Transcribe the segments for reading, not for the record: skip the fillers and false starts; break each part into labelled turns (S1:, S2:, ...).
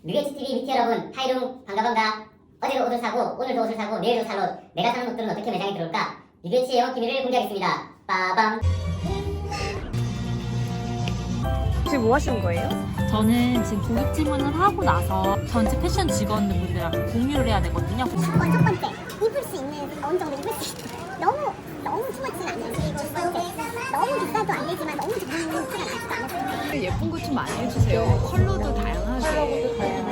S1: 뮤게치TV 미티 여러분, 하이룽 반가. 어제도 옷을 사고 오늘도 옷을 사고 내일도 살 옷, 내가 사는 옷들은 어떻게 매장에 들어올까? 뮤게치의 영업 기밀을 공개하겠습니다. 빠밤.
S2: 지금 뭐 하시는 거예요?
S3: 저는 지금 고객 질문을 하고 나서 전체 패션 직원분들이랑 공유를 해야 되거든요.
S4: 무조건 첫 번째 입을 수 있는 어느 정도 입을 수 있는 너무 투머치는 안 되지. 그리고 두 번째 너무 비싸도 안 되지만 너무 좋은 티가 나지도 않아서
S2: 예쁜 거 좀 많이 해주세요. 컬러도 다양하게.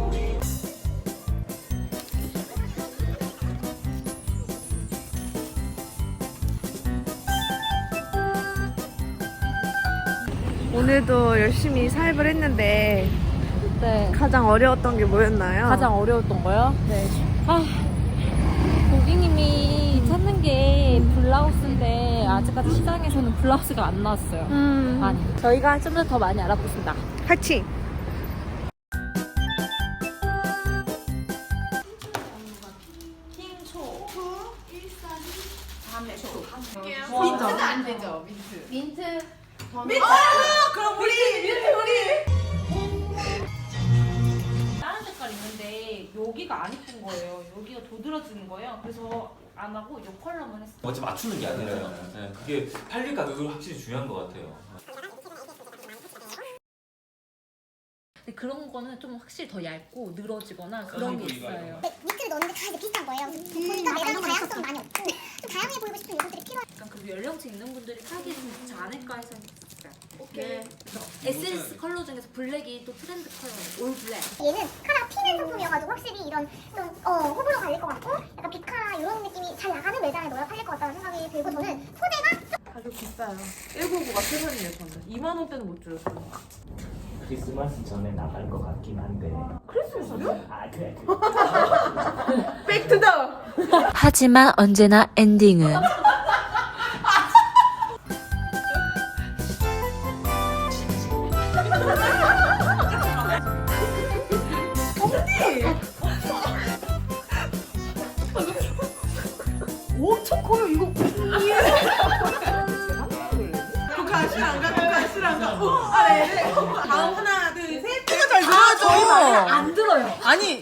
S2: 오늘도 열심히 사입을 했는데
S3: 네.
S2: 가장 어려웠던 게 뭐였나요?
S3: 가장 어려웠던 거요? 네. 고객님이 찾는 게 블라우스인데 아직까지 시장에서는 블라우스가 안 나왔어요. 많이. 저희가 좀 더 많이 알아보겠습니다.
S2: 파이팅!
S5: 민트가 안 되죠, 민트. 그럼
S3: 다른 색깔 있는데 여기가 안 이쁜 거예요. 여기가 도드라지는 거예요. 그래서 안 하고 이 컬러만 했어요.
S6: 어차피 맞추는 게 아니라요. 네, 그게 팔릴 가격이 확실히 중요한 것 같아요.
S3: 근데 그런 거는 좀 확실히 더 얇고 늘어지거나 그런 게 있어요.
S4: 니트를 넣는데 다 이제 비슷한 거예요. 보니까 매장 다양성이 많이 없고 좀 다양해 보이고 싶은 요소들이 필요해.
S3: 약간 그 연령층 있는 분들이 사기 좀 좋지 않을까 해서 했어요. 오케이. 그래서 에센스 컬러 중에서 블랙이 또 트렌드 컬러예요. 올 블랙.
S4: 얘는 카라 튀는 상품이어가지고 확실히 이런 좀 호불호 갈릴 것 같고 약간 비카라 이런 느낌이 잘 나가는 매장에 넣어야 팔릴 것 같다는 생각이 들고 저는 소재가
S5: 가격 비싸요. 199가 최선이에요, 저는. 2만 원대는 못 줘요, 저는.
S7: 크리스마스 전에 나갈 것 같긴 한데.
S5: 크리스마스요?
S7: 아 그래.
S5: 백투더!
S3: 하지만 언제나 엔딩은
S5: 엄청 커요, 이거. 가시랑가. 네. 다음 하나, 둘, 셋. 이거 잘 들어야죠.
S3: 안 들어요.
S5: 아니.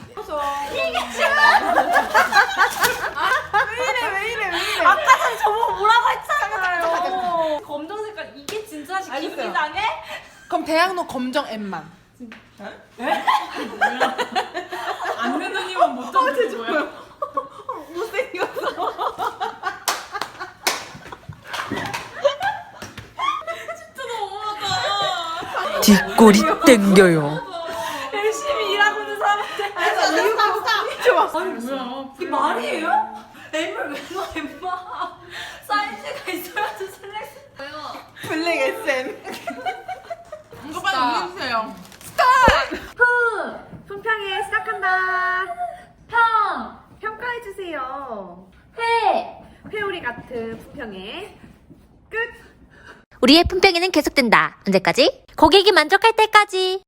S5: 왜 이래.
S3: 아까 전에 저보고 뭐라고 했잖아요. 검정 색깔 이게 진짜 기분 이상해?
S5: 그럼 대학로 검정 M만. 안 내는 이만 못 잡는 거야. 못생겼어.
S3: 뒷골이 땡겨요.
S5: 열심히 일하고 있는 사람한테. 좋아.
S3: 아니 뭐야? 이게 말이에요? M을 왜 넣어 M마? 사이즈가 있어야지 셀렉션해요.
S5: 블랙 SM. 이거 빨리 옮겨주세요.
S2: 품평회 시작한다.
S3: 평!
S2: 평가해주세요.
S3: 회!
S2: 회오리 같은 품평회 끝!
S8: 우리의 품평회는 계속된다. 언제까지? 고객이 만족할 때까지.